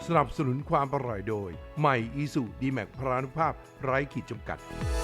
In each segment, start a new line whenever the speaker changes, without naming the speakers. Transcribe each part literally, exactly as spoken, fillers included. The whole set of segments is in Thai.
สนับสนุนความอร่อยโดยใหม่อีซูดีแม็กพรานุภาพไร้ขีดจำกัด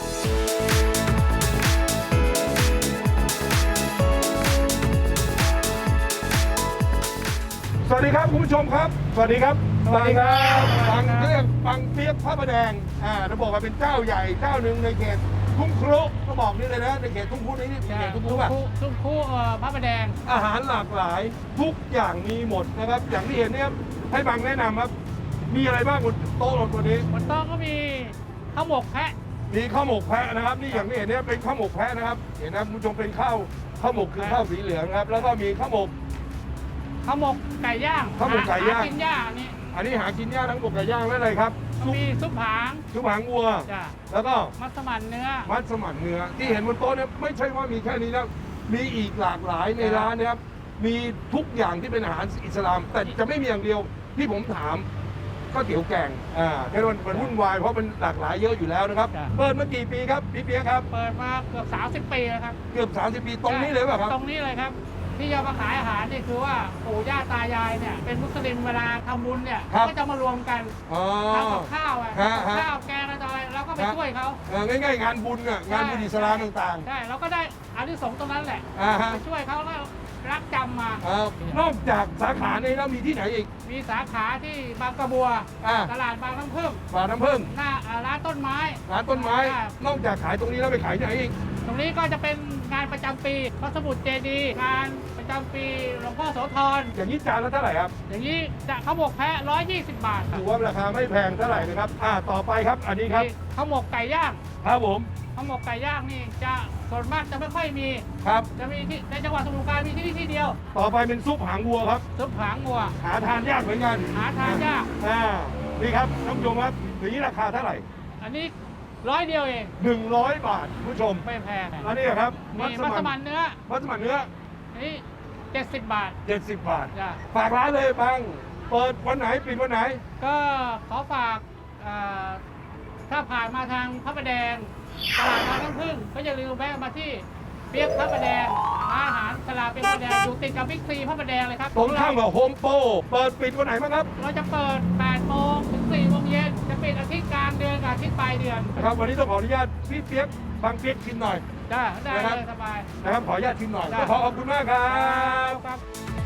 สวัสดีครับคุณผู้ชมครับสวัสดีครับสวัสดีครับบังเรียกบังเปียกพระประแดงอ่าเราบอกว่าเป็นเจ้าใหญ่เจ้าหนึ่งในเขตทุ่งครุก็บอกนี่เลยนะในเขตทุ่งครุนี่นี่เขตทุ่งครุป่ะ
ทุ่งครุเอ่อพระประแดง
อาหารหลากหลายทุกอย่างมีหมดนะครับอย่างที่เห็นเนี่ยให้บังแนะนำครับมีอะไรบ้างบนโต๊ะเราตัวนี้
บนโต๊ะก็มีข้าวหมกแพะ
มีข้าวหมกแพะนะครับนี่อย่างที่เห็นเนี่ยเป็นข้าวหมกแพะนะครับเห็นนะคุณผู้ชมเป็นข้าวข้าวหมกคือข้าวสีเหลืองครับแล้วก็มีข้าวหมก
ข้าวหมกไก่ย่าง
ข้าวหมกไก่ย่าง
หกินย่างอันนี้
อันนี้หากินยากทั้งหมกไก่ย่างและอะไรครับ
มีซุปหาง
ซุปหางวัว
จ้ะ
แล้วก็
มัสมั่นเนื้อ
มัสมั่นเนื้อที่เห็นบนโต๊ะเนี่ยไม่ใช่ว่ามีแค่นี้นะมีอีกหลากหลายในร้านนะครับมีทุกอย่างที่เป็นอาหารอิสลาม แต่จะไม่มีอย่างเดียวที่ผมถามก็เตี๋ยวแกงอ่าแค่มันมันวุ่นวายเพราะมันหลากหลายเยอะอยู่แล้วนะครับเปิดมากี่ปีครับพี่เปียกครับ
เปิดมาเกือบสามสิบปีแล้วครับ
เกือบสามสิบปีตรงนี้เลยป่ะครับ
ตรงนี้เลยครับที่จะมาขายอาหารนี่คือว่าปู่ย่าตายายเนี่ยเป็นมุสลิมเวลาทำบุญเนี่ยก็จะมารวมกันทำกับข้าวอ่ะข้าวแกงอะไรแล้วก็ไปช่วยเขา
ง่ายๆงานบุญอ่ะงานบุญอิสลามต่าง
ๆใช่เราก็ได้อานิสงส์ตรงนั้นแหละไปช่วยเขาแล้วรักจำมาน
อกจากสาขาในแล้วมีที่ไหนอีก
มีสาขาที่บางกระบัวตลาดบางน้ำผึ้ง
บางน้ำผึ้ง
หน้าร้านต้นไม้
ร้านต้นไม้นอกจากขายตรงนี้แล้วไปขายที่ไหนอีก
ตรงนี้ก็จะเป็นงานประจำปีพระสมุทรเจดีย์งานประจำปีหลวงพ่อโสธร
อย่างนี้จานละเท่าไหร่ครับ
อย่างนี้จะข้าวหมกแพะร้อยยี่สิบบาท
ถือว่าราคาไม่แพงเท่าไหร่นะครับอ่าต่อไปครับอันนี้ครับ
ข้าวหมกไก่ย่าง
ครับผม
ข้าวหมกไก่ย่างนี่จะส่วนมากจะไม่ค่อยมี
ครับ
จะมีที่ในจังหวัดสมุทรปราการมีที่นี่ที่เดียว
ต่อไปเป็นซุปหางวัวครับ
ซุปหางวัว
หาทานยากเหมือนกัน
หาทานยาก
อ่านี่ครับท่านผู้ชมครับอย่างนี้ราคาเท่าไหร่
อันนี้ร้อยเดียวเอง
หนึ่งร้อยบาทผู้ชม
ไม่แพง
อันนี้ครับ
มีมัสมั่นเนื้อ
มัสมั่นเนื้อ
นี่เจ็ดสิบบาท
เจ็ดสิบบาทฝากร้านเลยบังเปิดวันไหนปิดวันไหน
ก็ขอฝากถ้าผ่านมาทางพระประแดงตลาดบางน้ำผึ้งก็อย่าลืมแวะมาที่เปี๊ยกพระประแดงอาหารตลาดเปี๊ยกพระประแดงอยู่ติดกับบิ๊กซีพระประแดงเลยครับ
ตรงข้ามกับโฮมโปรเปิดปิดวันไหนบ้างครับ
เราจะเปิดแปดโมงถึงสี่โมงเย็นจะปิดอาทิตย์กลางเดือนกับอาทิตย์ปลายเดือน
ครับวันนี้ต้องขออนุญาตพี่เปี๊ยกบางเปี๊ยกชิมหน่อย
ได้ได้เลยสบาย
นะครับขออนุญาตชิมหน่อยขอขอบคุณมากครับ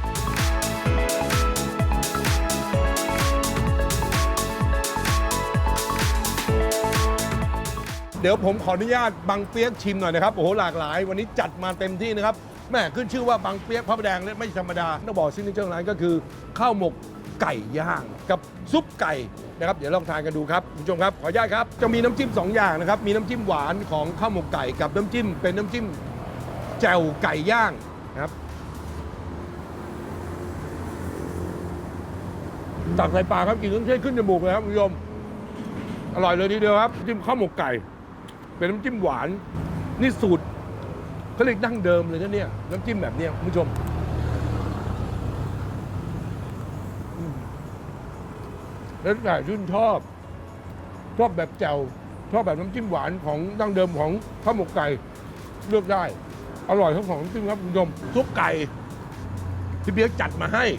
เดี๋ยวผมขออนุญาตบังเปี๊ยกชิมหน่อยนะครับโอ้โหหลากหลายวันนี้จัดมาเต็มที่นะครับแม่ขึ้นชื่อว่าบังเปี๊ยกพระประแดงไม่ธรรมดาต้องบอกซิกเนเจอร์ร้านก็คือข้าวหมกไก่ย่างกับซุปไก่นะครับเดี๋ยวลองทานกันดูครับคุณผู้ชมครับขออนุญาตครับจะมีน้ำจิ้มสองอย่างนะครับมีน้ำจิ้มหวานของข้าวหมกไก่กับน้ำจิ้มเป็นน้ำจิ้มแจ่วไก่ย่างนะครับตักใส่ปากครับกลิ่นเครื่องเทศขึ้นจมูกเลยครับคุณผู้ชมอร่อยเลยทีเดียวครับจิ้มข้าวหมกไก่เป็นน้ำจิ้มหวานนี่สูตรเขาเรียกดั้งเดิมเลยนะเนี่ยน้ำจิ้มแบบนี้คุณผู้ชมแล้วแต่ชื่นชอบชอบแบบแจ่วชอบแบบน้ำจิ้มหวานของดั้งเดิมของข้าวหมกไก่เลือกได้อร่อยทั้งสองน้ำจิ้มครับคุณผู้ชมซุปไก่ที่เบียร์จัดมาให้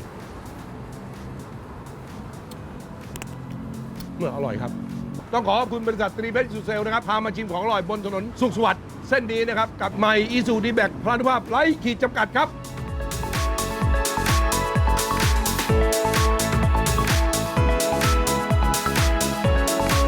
เมื่ออร่อยครับต้องขอขอบคุณบริษัทตรีเพชรอิสุเซลนะครับพามาชิมของอร่อยบนถนนสุขสวัสดิ์เส้นดีนะครับกับใหม่อีซูดีแบกพลานุภาพไร้ขีดจำกัดครับ